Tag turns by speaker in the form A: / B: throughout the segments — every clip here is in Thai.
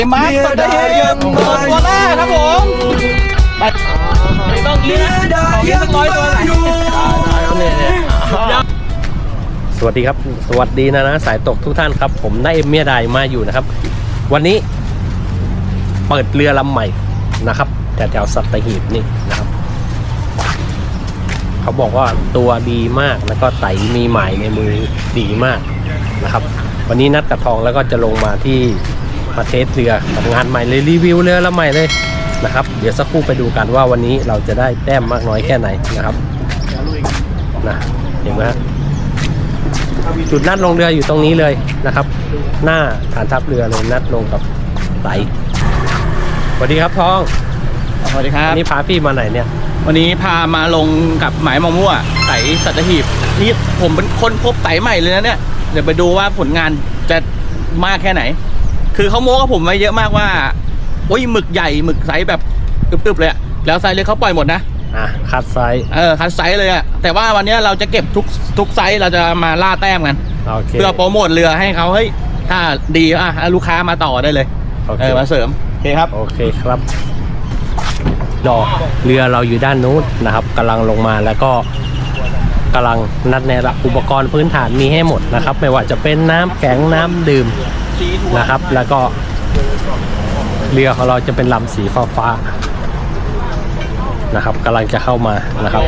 A: มาร์คสัตหีบตัวแรกครับผมไม่ต้องกินนะเอาสัก100 ตัวไหน
B: สวัสดีครับสวัสดีนะสายตกทุกท่านครับผมนายเอ็มเมียดายมาอยู่นะครับวันนี้เปิดเรือลำใหม่นะครับแถวสัตหีบนี่นะครับเขาบอกว่าตัวดีมากแล้วก็ไตมีหมายในมือดีมากนะครับวันนี้นัดกับทองแล้วก็จะลงมาที่ประเทศเรือทำงานใหม่เลยรีวิวเรือลำใหม่เลยนะครับเดี๋ยวสักครู่ไปดูกันว่าวันนี้เราจะได้แต้มมากน้อยแค่ไหนนะครับนะเห็นไหมฮะจุดนัดลงเรืออยู่ตรงนี้เลยนะครับหน้าฐานทัพเรือเลยนัดลงกับไตสวัสดีครับทอง
A: สวัสดีครับ
B: นี่พาพี่มาไหนเนี่ย
A: วันนี้พามาลงกับหมายมองมั่วไตสัตหีบนี่ผมเป็นคนพบไตใหม่เลยนะเนี่ยเดี๋ยวไปดูว่าผลงานจะมากแค่ไหนคือเขาโม้กับผมไว้เยอะมากว่าโอ้ยหมึกใหญ่หมึกไซส์แบบตึบๆเลยอะแล้วไซส์เล็กเขาปล่อยหมดนะ
B: คัดไซส์
A: คัดไซส์เลยอะแต่ว่าวันนี้เราจะเก็บทุกไซส์เราจะมาล่าแต้มกันเพื่อโปรโมทเรือให้เขาเฮ้ยถ้าดีลูกค้ามาต่อได้เลยมาเสริมโอเคครับ
B: โอเคครับรอเรือเราอยู่ด้านนู้นนะครับกำลังลงมาแล้วก็กำลังนัดในอุปกรณ์พื้นฐานมีให้หมดนะครับไม่ว่าจะเป็นน้ำแข็งน้ำดื่มนะครับแล้วก็เรือของเราจะเป็นลำสีฟ้านะครับกำลังจะเข้ามานะครับ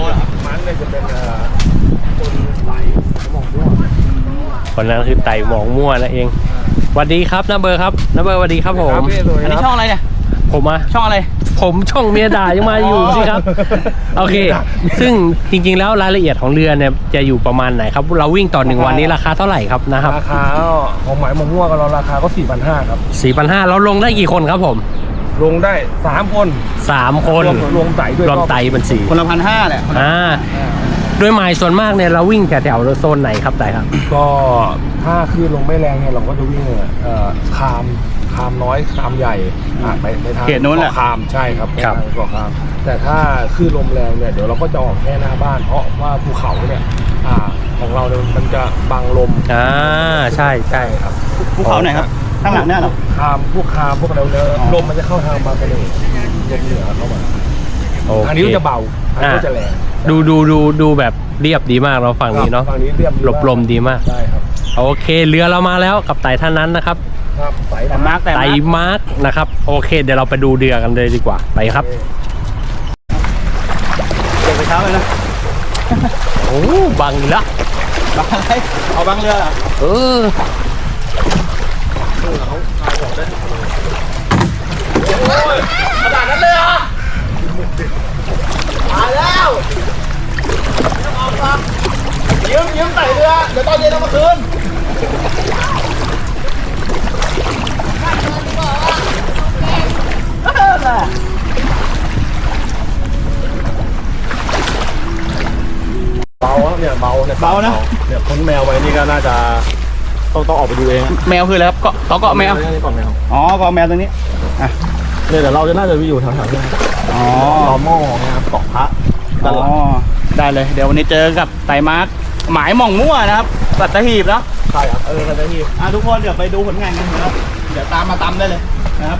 B: คนนั้นคือไต่หมองมั่วนั่นเองสวัสดีครับน้าเบอร์ครับน้าเบอร์สวัสดีครับผม
A: อันนี้ช่องอะไรเนี่ย
B: ผม
A: ช่องอะไร
B: ผมช่องเมียด่ายังมาอยู่สิครับโอเคซึ่งจริงๆแล้วรายละเอียดของเรือเนี่ยจะอยู่ประมาณไหนครับเราวิ่งต่อ1วันนี้ราคาเท่าไหร่ครับนะครับ
C: ราคาของหมายมะม่วงเราราคาก็ 4,500 ครับ
B: 4,500เราลงได้กี่คนครับผม
C: ลงได้3 คน
B: 3 คน
C: รวมไต่ด้วย
B: รวมไต่เป็น4
A: คนละ1,500แหละ
B: โดยหมายส่วนมากเนี่ยเราวิ่งแถวโซนไหนครับไต่ครับ
C: ก็ถ้าคลื่นลงไม่แรงเนี่ยเราก็จะวิ่งคามน้อยคามใหญ่ไปทาง
A: เขตนู้นแหละ
C: คามใช่ครับเกาะคามแต่ถ้าคลื่นลมแรงเนี่ยเดี๋ยวเราก็จะออกแค่หน้าบ้านเพราะว่าภูเขาเนี่ยของเราเนี่ยมันจะบังลม
B: ใช่ใช่ครับ
A: ภูเขาไหนครับข้างหลังเนี่ยหรอ
C: คามพวกอะไรเนี่ยลมมันจะเข้าทางบางกะเลลมเหนือเข้ามาทางนี้จะเบาทางนี้จะแรง
B: ดูแบบเรียบดีมากเราฝั่งนี้เนาะ
C: ฝั่งนี้เรียบ
B: หลบลมดีมาก
C: ใช่ครับ
B: โอเคเรือเรามาแล้วกับไต่ท่านนั้นนะครับ
C: ไต่มา
B: ร์กนะครับโอเคเดี๋ยวเราไปดูเรือกันเลยดีกว่าไปครับ
A: เดี๋ยวไปเช้าเลยนะ
B: โอ้บังละ
A: บังอะไรเอาบังเรือเหรอขนาดนั้นเลยเหรอมาแล้วไม่ต้องเอาครับยืมใส่เรือเดี๋ยวตอนเย็นเอามาคืน
C: เบาเนี่ยเบานะเนี่ยพ้นแมวไปนี่ก็น่าจะต้องออกไปดูเอง
A: แมวคืออะไรครับเกาะแมว
C: เกาะแมว
A: อ๋อเกาะแมวตรงนี้
C: เนี่ยเดี๋ยวเราจะน่าจะไปอยู่แถวๆนี้รอหม้อนะครับเกาะพระ
A: ได้เลยเดี๋ยววันนี้เจอกับไต่มาร์คหมายหม่องมั่วนะครับสัตหีบเนาะ
C: ใช่ครับสัตหีบ
A: ทุกคนเดี๋ยวไปดูผลงานกันนะครับเดี๋ยวตามมาตำได้เลยนะครับ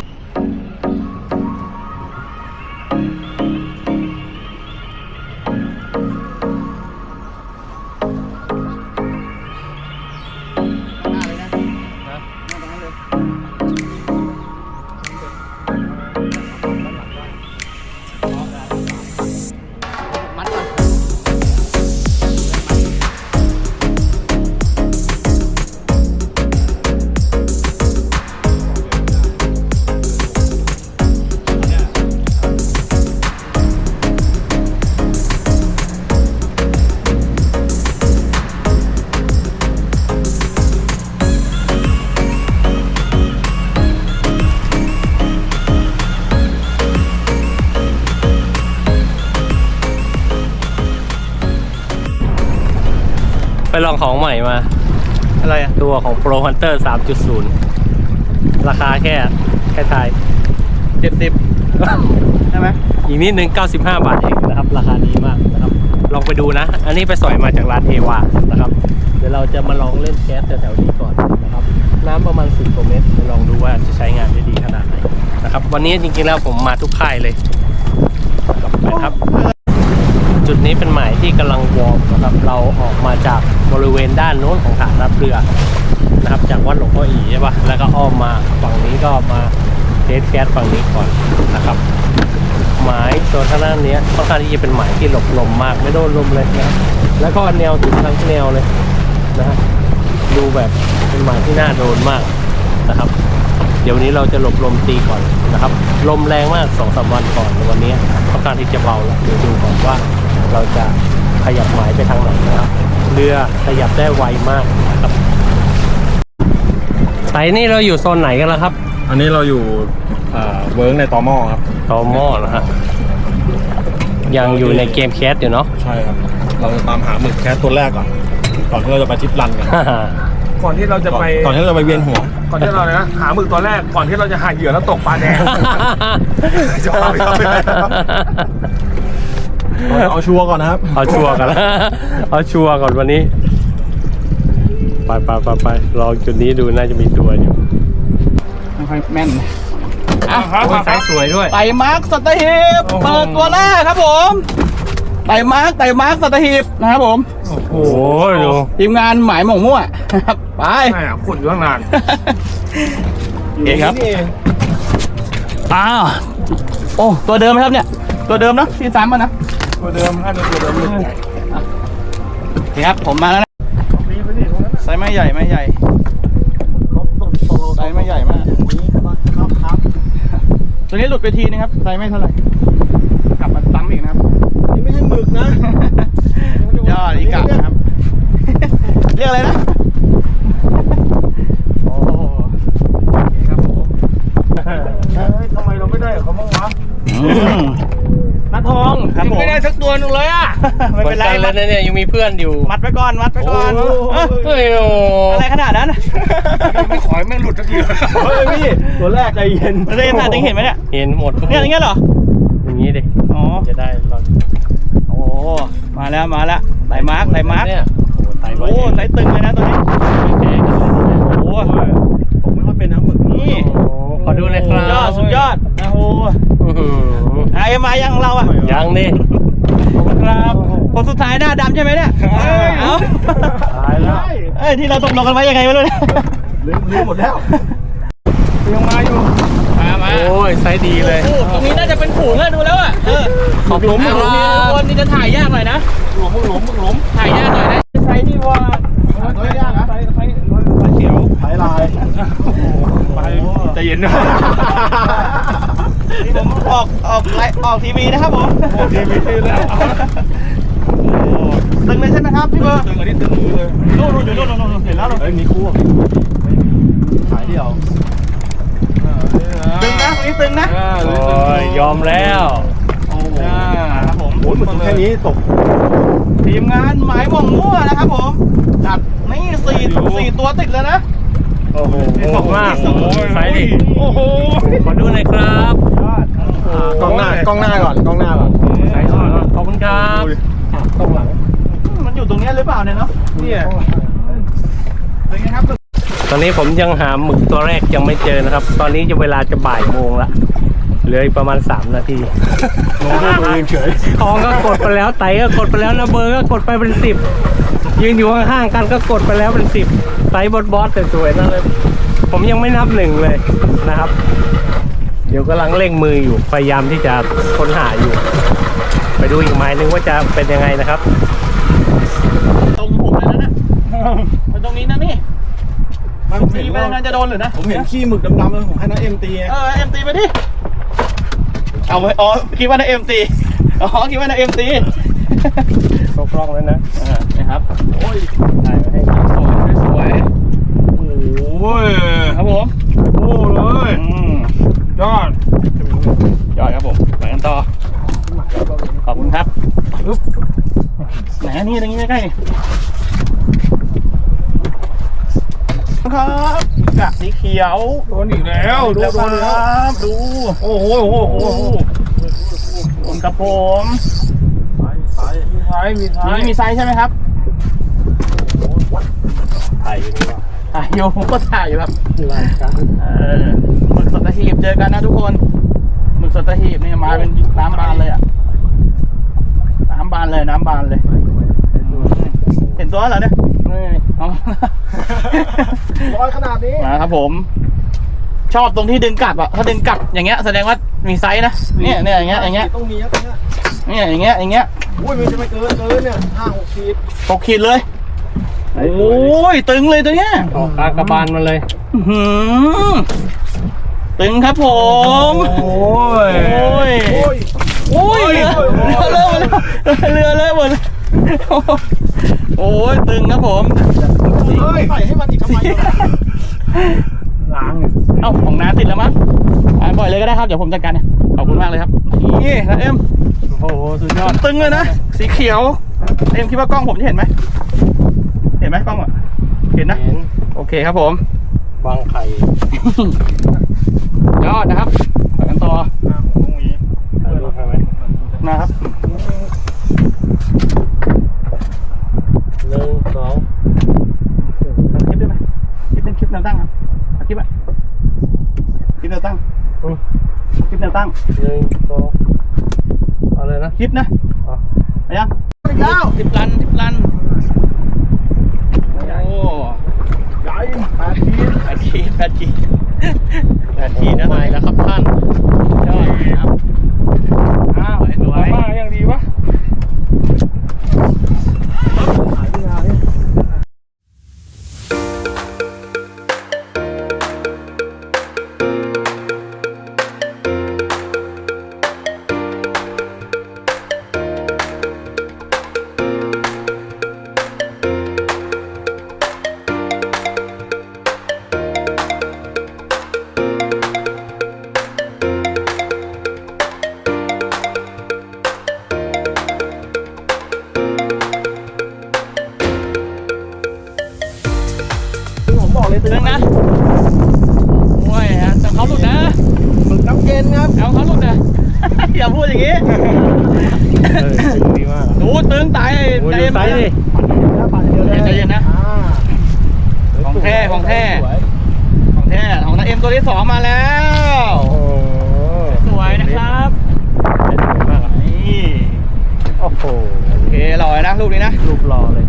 B: ไปลองของใหม่มา
A: อะไร
B: ตัวของ Pro Hunter 3.0 ราคาแค่ไทย
A: 70ใช่ไหม
B: อีกนิดนึง95 บาทเองนะครับราคาดีมากนะครับลองไปดูนะ อันนี้ไปสอยมาจากร้านเทวานะครับ เดี๋ยวเราจะมาลองเล่นแก๊สแถวๆนี้ก่อนนะครับ น้ำประมาณ10 กว่าเมตรลองดูว่าจะใช้งานได้ดีขนาดไหนนะครับ วันนี้จริงๆแล้วผมมาทุกค่ายเลยนะครับ จุดนี้เป็นหมายที่กำลังวอร์มนะครับ เราออกมาจากบริเวณด้านโน้นของฐานรับเรือนะครับ จากวัดหลวงพ่ออีใช่ปะแล้วก็อ้อมมาฝั่งนี้ก็มาเทสแก๊สฝั่งนี้ก่อนนะครับ หมายตัวทางด้านนี้ค่อนข้างที่จะเป็นหมายที่หลบลมมากไม่โดนลมเลยนะครับแล้วก็แนวถึงทั้งแนวเลยนะฮะดูแบบเป็นหมายที่น่าโดนมากนะครับ เดี๋ยววันนี้เราจะหลบลมตีก่อนนะครับลมแรงมาก 2-3 วันก่อนวันนี้ค่อนข้างที่จะเบาแล้วเดี๋ยวดูก่อนว่าเราจะขยับหมายไปทางไหนนะครับเรือขยับได้ไวมากนะครับไซนี่เราอยู่โซนไหนกันแล้วครับ
C: อันนี้เราอยู่เวิร์กในตอหม้อครับ
B: ตอหม้อนะฮะยังอยู่ในเกมแคสอยู่เนาะ
C: ใช่ครับ เราจะตามหาหมึกแคสตัวแรกก่อนที่เราจะไปทริปรันกัน
D: ก่อนที่เราจะไป
C: ก่อนที่เราจะไปเวียนหัว
D: ก่อนที่เรานะหาหมึกตัวแรกก่อนที่เราจะหาเหยื่อแล้วตกปลาแดง
C: เอาชัวร์ก่อนนะครับ
B: เอาชัวร์กันแล้วเอาชัวร์ก่อนวันนี้ไปลองจุดนี้ดูน่าจะมีตัวอยู่
A: ไม่ค่อยแม่นอ่ะ
B: โอ้ยไซส์สวยด้วย
A: ไต่มาร์คสัตหีบเปิดตัวแรกครับผมไต่มาร์คสัตหีบนะครับผม
B: โอ้โหดู
A: ทีมงานหมายหม่งมั่วนะครับไป
D: ใช่ขุดอยู่ตั้งนาน
A: เองครับอ้าวโอ้ตัวเดิมไหมครับเนี่ยตัวเดิมเนาะที่ซ้ำมานะ
D: ตัวเดิมอันนี้ตัวเดิมเลย
A: โอเคครับผมมาแล้วนะไซส์ไม่ใหญ่ไม่ใหญ่ไซส์ไม่ใหญ่มากตัวนี้หลุดไปทีนึงครับไซส์ไม่เท่าไหร่กลับมาซ้ำอีกนะครับ
C: นี่ไม่ใช่หมึกนะ
A: ยอดอีกะครับ เรียกอะไรนะโอ้ครับผม
D: ทำไมเราไม่ได้กับเขาบ้างวะ
A: นัททองครับผม
D: ไม่ได้สักตัวนึงเลยอ่ะ
A: ไม่เป็นไร
B: เหมือนกันเลยนะเนี่ยยังมีเพื่อนอยู่
A: มัดไว้ก่อนมัดไว้ก่อน
B: เฮ้ยโอ้
A: อะไรขนาดนั้น
D: ไม่ขอให้แม่งหลุดสักที
C: เฮ้ยพี่ตัวแรกใจเย็น
A: เรนถ่ายเห็นไหมเนี่ย
B: เห็นหมดทุก
A: เนี่ยอย่างเงี้ยเหรอ
B: อย่างนี้ดิ
A: อ๋อ
B: จะได้เรา
A: โอ้มาแล้วไต่มาร์ค
B: เนี่ยโอ้ไต่ไว้
A: โอ้ไต่ตึงเลยนะตัวนี้
B: แพ้กันเลยนะ
A: โอ้
C: ผมไม่ค่อยเป็นนะหมึก
A: นี่
B: โอ้ขอดูเลยครับ
A: สุดยอดโอ้โห
B: อื้อหือ
A: ไอ้มายังเราอ่ะ
B: ยังดิ
A: ครับคนสุดท้ายหน้าดำใช่ไหมเนี่ยเอ้า
B: ตายแล้ว
A: เอ้ยที่เราตกลงกันไว้ยังไงไม่รู้เนี่ย
C: ลืมหมดแล้ว
D: ยังมาอยู่
A: มา
B: โอ้ยไซส์ดีเลย
A: โอ้ตรงนี้น่าจะเป็นฝูงแล้วดูแล้วอ่ะขอบคุณทุกคนนี่จะถ่ายยากหน่อยนะ
C: มึกหลม
A: ถ่ายยากหน่อยนะไซส์นี่ว่า
C: ตัวยากนะไซส์เขียวไซส์ลาย
D: ใจเย็นนะ
A: นี่ผมออกทีวีนะครับผม
D: ทีวีชื่อแล้ว
A: ตึงเลยใช่ไหมครับพี่เบอร์
D: ตึงอันนี้ตึงมือเลย
A: นู่นอยู่นู่นเห็นแล้ว
C: เฮ้ยมีคู่ขายเดียว
A: ตึงนะตรงนี้ตึงนะ
B: โอ้ยยอมแล้ว
C: โอ้โห
A: ครับผม
C: โอ้ยหมึกแค่นี้ตก
A: ทีมงานหมายหม่งมั่วนะครับผมจัดนี่สี่ตัวติดเลยนะ
B: โอ้โหขอบมาก
A: โอ้โห
B: ไซส์ดิ
D: โอ้โห
B: ขอดูหน่อยครับ
C: กล้องหน้าก่อน
B: ไซส์ขอบคุณครับ
C: กล้องหลัง
A: มันอยู่ตรงนี้หรือเปล่าเนี่ยเนาะ
D: เนี่ย
A: เป็นไงครับ
B: ตอนนี้ผมยังหาหมึกตัวแรกยังไม่เจอนะครับ ตอนนี้จะเวลาจะบ่ายโมงละเหลืออีกประมาณ3 นาที
C: ลงด้วยตัวเองเฉย
B: ทองก็กดไปแล้วไตก็กดไปแล้วนะเบอร์ก็กดไปเป็น10ยืนอยู่ข้างๆกันก็กดไปแล้วเป็น10ไตบอสสวยๆนั่นเลย ผมยังไม่นับ1เลยนะครับ เดี๋ยวกำลังเร่งมืออยู่พยายามที่จะค้นหาอยู่ ไปดูอีกหมายนึงว่าจะเป็นยังไงนะครับ
A: ตรงผมเลยนะมันตรงนี้นะนี่
C: มัน
A: ตีไปทางนั้นจะโดนหรือนะ
C: ผมเห็นขี้หมึกดำๆเลยผมให้น้าเอ็มตี
A: เอ็มตีไปดิเอาไว้อ๋อคิดว่านะเอ็มตีอ๋อคิดว่านะเอ็มตี
B: ครบรอบแล้วนะ
A: นะครับโอ้ย
B: ได้มาให้
A: สวยโอ้ยครับผม
D: โอ้เลย ยอด
A: ยอดครับผมไปกันต่อขอบคุณครับไหนนี่ตรงนี้ใกล้ๆครับกะสีเขียว
D: โดนอีกแล้วดู
A: แล้วครับดู
D: โอ้โหโอ้โห
A: กับผม
C: ซ้ายท้ายมีท้าย
A: นี่มีไซส์ใช่ไหมครับ
B: ถ่ายอยู่นี่ว่า
A: ถ่ายอยู่ผมก็ถ่ายอยู่ครับ
B: รายการ
A: หมึกสัตหีบเจอกันนะทุกคนหมึกสัตหีบนี่มาเป็นน้ำบานเลยอ่ะน้ำบานเลยน้ำบานเลยเห็นตัวเหรอเนี่ยเอา
C: ร้อยขนาดนี้
A: มาครับผม ชอบตรงที่ดึงกลับอ่ะถ้าดึงกลับอย่างเงี้ยแสดงว่ามีไซส์นะเนี่ยอย่างเงี้ยอย่างเงี้ย
C: ต้องมีครับเนี่ย
A: เนี่ยอย่างเงี้ยอย่างเงี้ย
C: อุ้ยมันจะไม่เกินเนี่ย5-6 ขีด
A: 6 ขีดเลยโอ้ยตึงเลยตัวเนี้ย
B: ออกกากระบาลมาเลย
A: อื้อหือตึงครับผม
C: โอ้ย
A: โอ้ย
C: โอ้ย
A: โอ้ยเรือเลอะหมดเลยโอ้ยตึงครับผม
C: ใส่ให้มันอีกทำไมล้าง
A: เอ้าของน้าติดแล้วมั้งปล่อยเลยก็ได้ครับเดี๋ยวผมจัดการเนี่ยขอบคุณมากเลยครับนี่นะเอ็ม
B: โอ้โหสุดยอด
A: ตึงเลยนะสีเขียวเอ็มคิดว่ากล้องผมจะเห็นไหมเห็นไหมกล้องอ่ะเห็นนะ
B: เห็น
A: โอเคครับผม
B: บางไข่
A: ยอดนะครับไปกันต่อ
B: ถ่ายรูปให้ไหม
A: นะครับ
B: 1 2
A: ทำคลิปได้ไหมคลิปเป็นคลิปแนวตั้งครับทำคลิปอ่ะคลิปแนวตั้งคลิปแนวตั้ง
B: 1 2เอาเลยนะ
A: คลิปนะ
B: อ่ะ
A: ไปยังทิปรันโอ้
C: ใหญ่8 ขีด
A: 8 ขีดนะ
B: ใหม่แล้วครับท่าน
A: ยอดครับอ้าวสวย
C: มาอย่างดีวะ
A: ผมบอกเลยตึงนะโอ้ยฮะแต่เขาหลุดนะ
C: หมึกน้ำเย็นครับ
A: เอาเขาหลุดนะ อย่าพูดอย่างนี้
B: ตึงดีมาก
A: ดูตึงตาย
B: โอ้ย
A: ใจ
B: ดูไซส์ดิ
C: ปั่นเดียวเลย
A: ใจเย็นนะ ของแท้ของแท้
C: สวย
A: ของแท้ของนาเอ็มตัวที่ 2 มาแล้ว
B: โอ้โห
A: สวยนะครับ
B: สวยมากอ่ะ
A: นี่
B: โอ้โห
A: โอเคลอยนะลูกนี้นะ
B: รูปหล่อเลย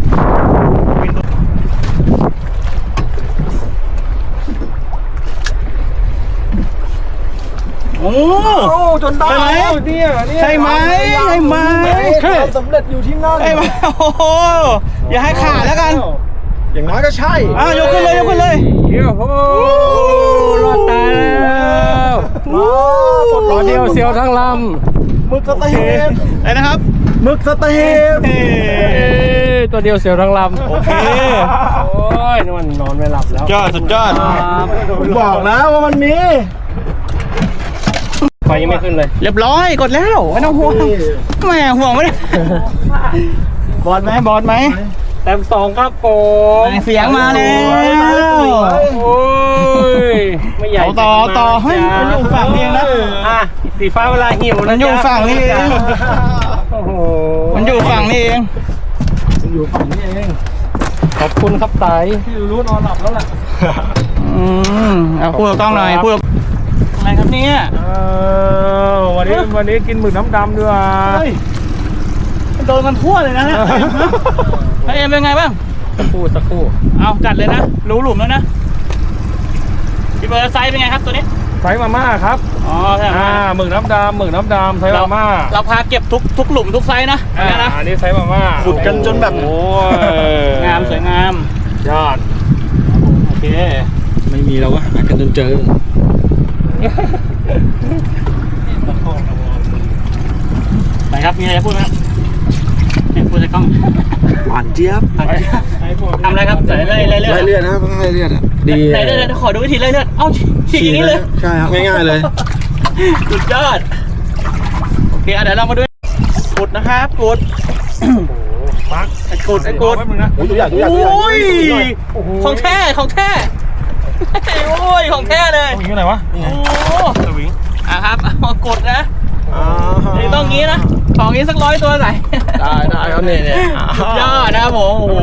A: โอ้
C: โอ้จนได้
A: ใช่ไหม
C: เนี่ย
A: ใช่ไหมใช่ไหม
C: ความสำเร็จอยู่ที่นั่น
A: ไอ้มาโอ้โหอย่าให้ขาดแล้วกัน
C: อย่างน้อยก็ใช่
A: อ้าวยกขึ้นเลยยกขึ้นเลย
B: โอ้โหรอดตายแล้ว
C: ปลด
B: ร
C: ล็
B: อ
C: อก
B: เดียวเสียวทั้งล
C: หมึกสเตหีบ
A: ไอ้นะครับ
C: หมึกสเตหีบ
A: เอ้
B: ำตัวเดียวเสียวทั้งลำ
A: โอเค
B: โอ้ยนี่มันนอนไม่หลับแล้ว
A: ยอดสุดยอด
C: ผมบอกแล้วว่ามันมี
B: ไฟยังไม่ขึ้นเลย
A: เรียบร้อยกดแล้วไม่ต้องห่วงแหมห่วงไม่ได้บอลไหมบอลไหม
B: แต้ม2ครับผม
A: เสียงมาแล้ว
B: โอ้ยไม่ใหญ่
A: เอาต่อเฮ้ยมันอยู่ฝั่งนี้เองนะ
B: อ่ะสีฟ้าเวลาหิว
A: มันอยู่ฝั่งนี้เอง
B: โอ้โห
A: มันอยู่ฝั่งนี้เอง
C: อยู่ฝั่งนี้เอง
B: ขอบคุณครับไต
C: พี่รู้นอนหลับแล้วแหละ
A: เอาพูดกับกล้องหน่อยพูดอะไรครับเนี่ย
C: วันนี้กินหมึกน้ำดำด้วย
A: เฮ้ยมันโดนกันทั่วเลยนะเนี่ยไอเอ็มเป็นไงบ้าง
B: สักครู่
A: เอาจัดเลยนะรู้หลุมแล้วนะพี่เบอร์ไซส์เป็นไงครับตัวนี้
C: ไซส์มาม่าครับ
A: อ๋อใช่ไหม
C: หมึกน้ำดำไซส์มาม่า
A: เราพาเก็บทุกหลุมทุกไซส์นะอันนี้นะ
C: อันนี้ไซส์มาม่า
A: ขุดกันจนแบบ
C: โอ้
A: งามสวยงาม
C: ยอด
A: โอเค
C: ไม่มีเราก็หากันจนเจอ
A: ไหนครับมีอะไรจะพูดไหมครับพูดในกล้อง
C: หวานเจี๊ยบ
A: ทำอะไรครับใส่ไล่เลือด
C: ไล่เลือดนะต้องไล่เลือดอ่ะดี
A: ไหนเลือดขอดูวิธีไล่เลือดเอ้าฉีกอย่างนี้เลย
C: ใช่ครับง่ายๆเลย
A: สุดยอดโอเคเดี๋ยวเรามาดูกดนะครับกด
C: มาร์ค
A: ไอ้กดไอ้กด
C: แป๊บนึงนะโอ้ยตัวใหญ่
A: โอ้ยของแท้ของแท้โอ้ยของแท้เลย
C: วิ่งอยู่ไหนวะ
A: โอ้
C: สวิง
A: ครับเอากดนะนี่ต้องงี้นะไฟของนี้สัก100 ตัวไหน
C: ได้ครับเนี่ย
A: สุดยอดนะครับผมโอ้โห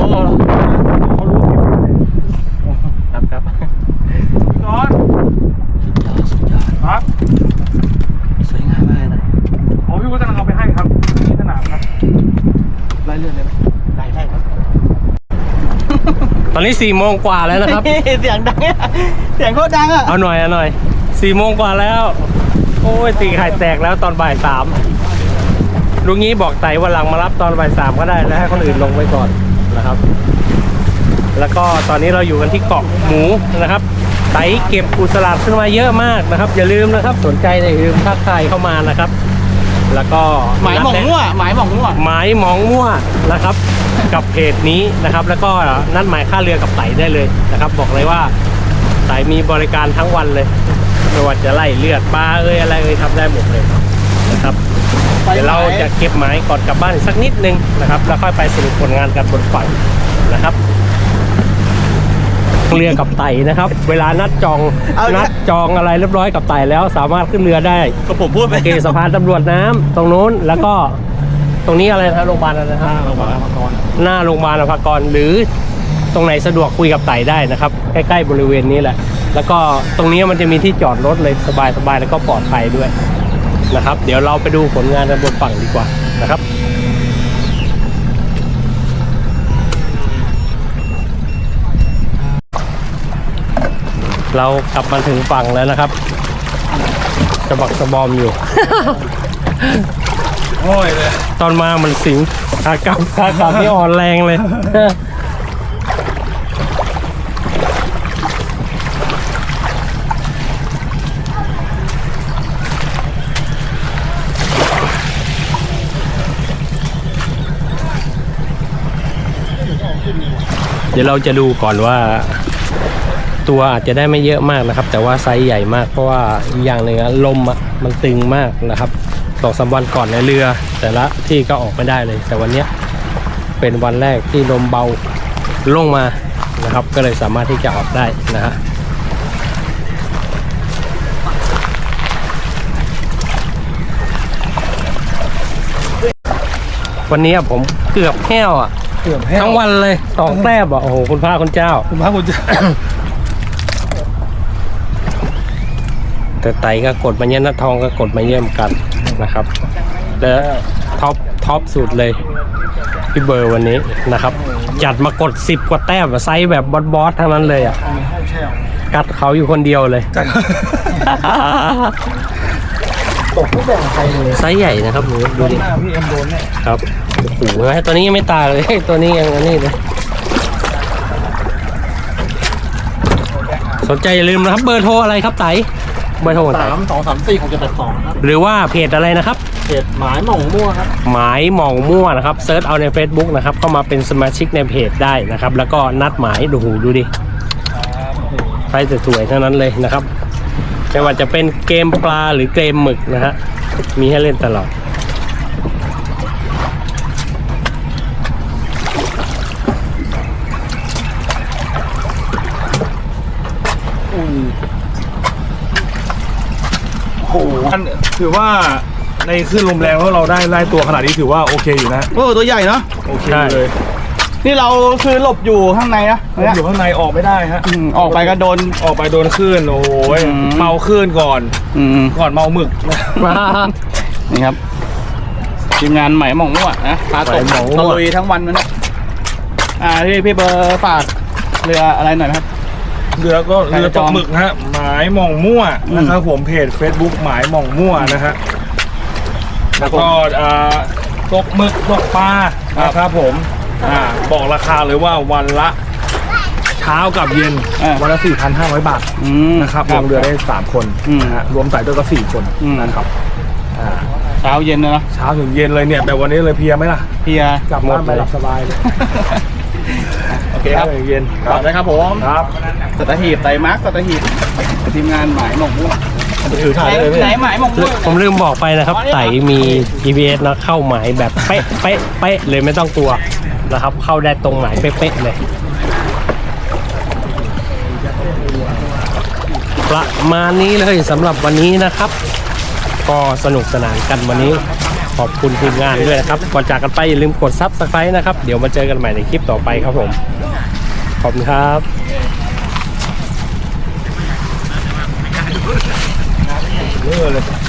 A: ครับ
D: ร้อนครับ
A: สวยงามมากเลยนะ
D: ผมพี่วุฒิกำลังเอาไปให้ครับที่สนามครับ
A: ไล่เลื่อนได้ไหมได้ครับ
B: ตอนนี้4 โมงกว่าแล้วนะครับ
A: เสียงดังอะเสียงโคตรดังอ่ะ
B: เอาหน่อย4 โมงกว่าแล้ว โอ้ยตีไข่แตกแล้วตอนบ่าย 3ลุงงี้บอกไต่วันหลังมารับตอนบ่าย 3ก็ได้แล้วให้คนอื่นลงไปก่อนนะครับ แล้วก็ตอนนี้เราอยู่กันที่เกาะหมูนะครับไต่เก็บกุศลาดขึ้นมาเยอะมากนะครับอย่าลืมนะครับสนใจอย่าลืมทักทายเข้ามานะครับ แล้วก็
A: หมายหม่องมั่วหมายหม่องมั่ว
B: หมายหมองมั่วนะครับ กับเพจนี้นะครับ แล้วก็นัดหมายค่าเรือกับไต่ได้เลยนะครับ บอกเลยว่าไต่มีบริการทั้งวันเลยไม่ว่าจะไล่เลือดปลาอะไรทำได้หมดเลยนะครับเดี๋ยวเราจะเก็บหมายก่อนกลับบ้านอีกสักนิดนึงนะครับแล้วค่อยไปสรุปผลงานกันบนฝั่งนะครับเรือกับไต่นะครับ เวลานัดจองอะไรเรียบร้อยกับไต่แล้วสามารถขึ้นเรือได้
A: ก็ผมพูดไป
B: โอเคสะพานตำรวจน้ำตรงนู้นแล้วก็ตรงนี้อะไรนะโรงพยาบาลอะไรนะครับหน้าโรงพยาบาลอภากรหรือตรงไหนสะดวกคุยกับไต่ได้นะครับใกล้ๆบริเวณนี้แหละแล้วก็ตรงนี้มันจะมีที่จอดรถเลยสบายๆแล้วก็ปลอดภัยด้วยนะครับ เดี๋ยวเราไปดูผลงานกันบนฝั่งดีกว่านะครับเรากลับมาถึงฝั่งแล้วนะครับสะบักสะบอมอยู่
D: โอ้ยเลย
B: ตอนมามันสิงขากลับนี่อ่อนแรงเลย เดี๋ยวเราจะดูก่อนว่าตัวอาจจะได้ไม่เยอะมากนะครับ แต่ว่าไซส์ใหญ่มากเพราะว่าอีกอย่างหนึ่งลมมันตึงมากนะครับ2-3 วันก่อนในเรือแต่ละที่ก็ออกไม่ได้เลย แต่วันนี้เป็นวันแรกที่ลมเบาลงมานะครับ ก็เลยสามารถที่จะออกได้นะฮะวันนี้ผมเกือบแห้วทั้งวันเลย2 แต้มโอ้โหคุณพระคุณเจ้า
D: คุณพระคุณเจ้า
B: แต่ไต่ก็กดมาเยี่ยมนัดทองก็กดมาเยี่ยมกันนะครับแล้วท็อปสุดเลยพี่เบอร์วันนี้นะครับจัดมากด10 กว่าแต้มไซส์แบบบอสทั้งนั้นเลยอ่ะกัดเขาอยู่คนเดียวเลยตกไม่แบ่งใครเลยไซส์ใหญ่นะครับหนูดูดิพี่เอ็มโดนเนี่ยครับโอ้โหตัวนี้ยังไม่ตายเลยตัวนี้ยังอันนี้เลยสนใจอย่าลืมนะครับเบอร์โทรอะไรครับไต่เบอร์โทรไต่
C: 3234672ครับ
B: หรือว่าเพจอะไรนะครับ
C: เพจหมายหม่องมั่วครับ
B: หมายหม่องมั่วนะครับเซิร์ชเอาใน Facebook นะครับเข้ามาเป็นสมาชิกในเพจได้นะครับแล้วก็นัดหมายดูดิไฟสวยๆทั้งนั้นเลยนะครับไม่ว่าจะเป็นเกมปลาหรือเกมหมึกนะฮะมีให้เล่นตลอด
D: โอ้โหถือว่าในคลื่นลมแรงแล้วเราได้ตัวขนาดนี้ถือว่าโอเคอยู่นะ
A: โอ้ตัวใหญ่เนาะ
D: โอเคเลย
A: นี่เราคือหลบอยู่ข้างในนะ
D: อยู่ข้างในออกไม่ได้ฮะ
A: ออกไปก็โดน
D: ออกไปโดนคลื่นโอ้ย
A: อืม
D: เมาคลื่นก่อน
A: ก่อน
D: เมาหมึก
A: นี่ครับทีมงานไหมหม่องมั่วนะพาตก
B: ไหมหม่องมั่ว
A: ตะลุยทั้งวันนะพี่เบอร์ฝากเรืออะไรหน่อยนะครับ
D: เรือตกหมึกฮะหมายหม่องมั่วนะครับผมเพจ Facebook หมายหม่องมั่วนะฮะแล้วก็ตกหมึกตกปลานะครับผมบอกราคาเลยว่าวันละเช้ากับเย็นวันละ 4,500 บาทนะครับลงเรือได้3 คนนะฮะรวมไต่ด้วยก็4 คนนะครับ
A: เช้าเย็นนะเนาะ
D: เช้าถึงเย็นเลยเนี่ยแต่วันนี้เลยเพลียไหมล่ะ
A: เพีย
D: กลับบ้านไปหลับสบายเลย
A: โอเคครับ
D: ช้าถึงเย็น
A: ต่อเลยครับผม
D: ครับ
A: สัตหีบไต่มาร์คสัตหีบทีมงานหมายหม่องมั่ว
D: ถือถ่ายเลย
A: ไหนหมายหม่องมั่ว
B: ผมลืมบอกไปนะครับไต่มี GPS นะเข้าหมายแบบเป๊ะเลยไม่ต้องกลัวนะครับเข้าได้ตรงหมายเป๊ะเลยประมาณนี้เลยสำหรับวันนี้นะครับ ก็สนุกสนานกันวันนี้ขอบคุณทีมงานด้วยนะครับก่อนจากกันไปอย่าลืมกด Subscribe นะครับเดี๋ยวมาเจอกันใหม่ในคลิปต่อไปครับผมขอบคุณครับ
D: เยอะเลย